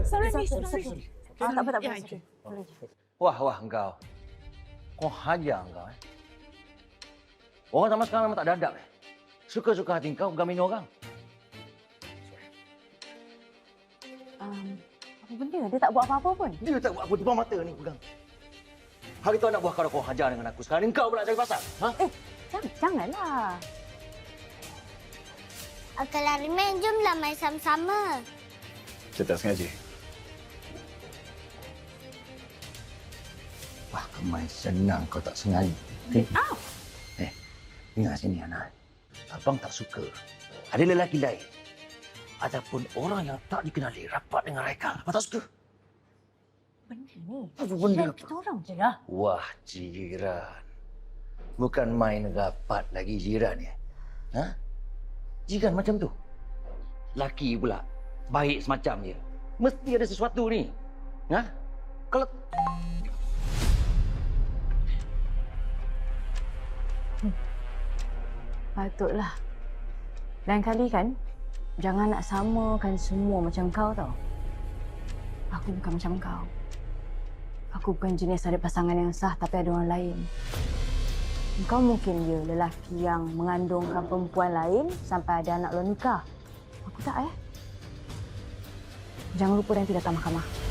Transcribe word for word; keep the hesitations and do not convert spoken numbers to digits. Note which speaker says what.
Speaker 1: Sorry,
Speaker 2: Sorry,
Speaker 1: Miss.
Speaker 2: sorry,
Speaker 1: Sorry.
Speaker 2: sorry. Ah, tak apa, tak apa.
Speaker 1: Ya,
Speaker 2: Sorry. Sorry.
Speaker 3: Wah, wah engkau. Kau hajar engkau eh. Orang zaman sekarang memang tak ada adab eh. Suka-suka hati engkau gamin orang.
Speaker 2: Um, apa benda? Dia tak buat apa-apa pun.
Speaker 3: Dia tak buat apa depan mata ni pegang. Hari tu anak buah kau kau hajar dengan aku. Sekarang ni engkau pula cari pasal. Ha?
Speaker 2: Eh, jangan, janganlah.
Speaker 4: Uncle Ariman, jomlah main sama-sama.
Speaker 5: Saya tak sengaja.
Speaker 3: Wah, kemai senang kau tak sengaja. Okay?
Speaker 1: Au!
Speaker 3: Eh, dengar sini anak. Abang tak suka ada lelaki lain ataupun orang yang tak dikenali rapat dengan Raikal. Abang tak suka.
Speaker 2: Benda ni.
Speaker 3: Apa benda?
Speaker 2: Kita orang je lah.
Speaker 3: Wah, jiran. Bukan main rapat lagi jiran ya. Ha? Jiran macam tu. Laki pula baik semacam dia. Mesti ada sesuatu ni. Ha? Kalau
Speaker 2: Patutlah. Lain kali kan, jangan nak samakan semua macam kau tau. Aku bukan macam kau. Aku bukan jenis ada pasangan yang sah tapi ada orang lain. Kau mungkin dia lelaki yang mengandungkan perempuan lain sampai ada anak luar nikah. Aku tak eh. Jangan lupa nanti datang mahkamah.